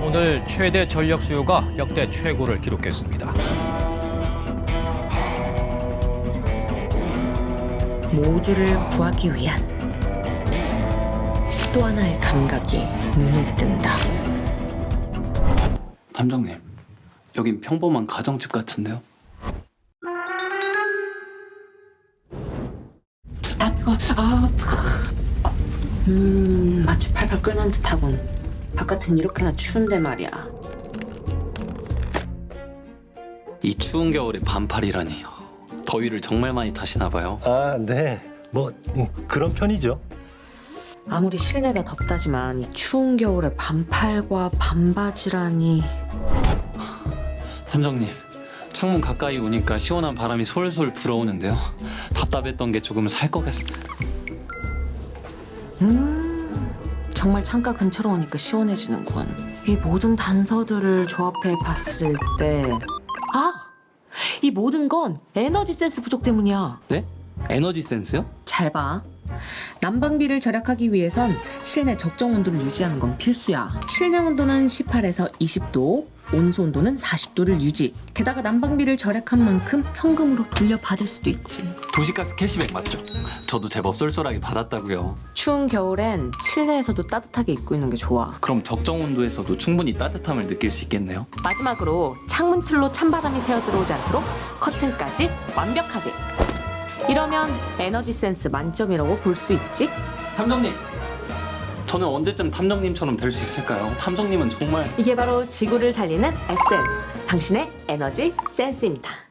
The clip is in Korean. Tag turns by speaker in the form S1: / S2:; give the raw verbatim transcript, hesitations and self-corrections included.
S1: 오늘 최대 전력 수요가 역대 최고를 기록했습니다.
S2: 모두를 구하기 위한 또 하나의 감각이 눈을 뜬다.
S3: 탐정님, 여긴 평범한 가정집 같은데요?
S2: 아 뜨거, 아 뜨거. 음, 마치 팔팔 끓는 듯하군. 바깥은 이렇게나 추운데 말이야.
S3: 이 추운 겨울에 반팔이라니. 더위를 정말 많이 타시나 봐요.
S4: 아, 네. 뭐 음, 그런 편이죠.
S2: 아무리 실내가 덥다지만 이 추운 겨울에 반팔과 반바지라니.
S3: 탐정님, 창문 가까이 오니까 시원한 바람이 솔솔 불어오는데요. 답답했던 게 조금 살 것 같습니다.
S2: 음, 정말 창가 근처로 오니까 시원해지는군. 이 모든 단서들을 조합해 봤을 때, 아, 이 모든 건 에너지 센스 부족 때문이야.
S3: 네? 에너지 센스요?
S2: 잘 봐. 난방비를 절약하기 위해선 실내 적정 온도를 유지하는 건 필수야. 실내 온도는 십팔에서 이십 도, 온수 온도는 사십 도를 유지. 게다가 난방비를 절약한 만큼 현금으로 돌려받을 수도 있지.
S3: 도시가스 캐시백 맞죠? 저도 제법 쏠쏠하게 받았다고요.
S2: 추운 겨울엔 실내에서도 따뜻하게 입고 있는 게 좋아.
S3: 그럼 적정 온도에서도 충분히 따뜻함을 느낄 수 있겠네요.
S2: 마지막으로 창문 틀로 찬바람이 새어 들어오지 않도록 커튼까지 완벽하게. 이러면 에너지 센스 만점이라고 볼 수 있지?
S3: 탐정님! 저는 언제쯤 탐정님처럼 될 수 있을까요? 탐정님은 정말...
S2: 이게 바로 지구를 달리는 에센스, 당신의 에너지 센스입니다.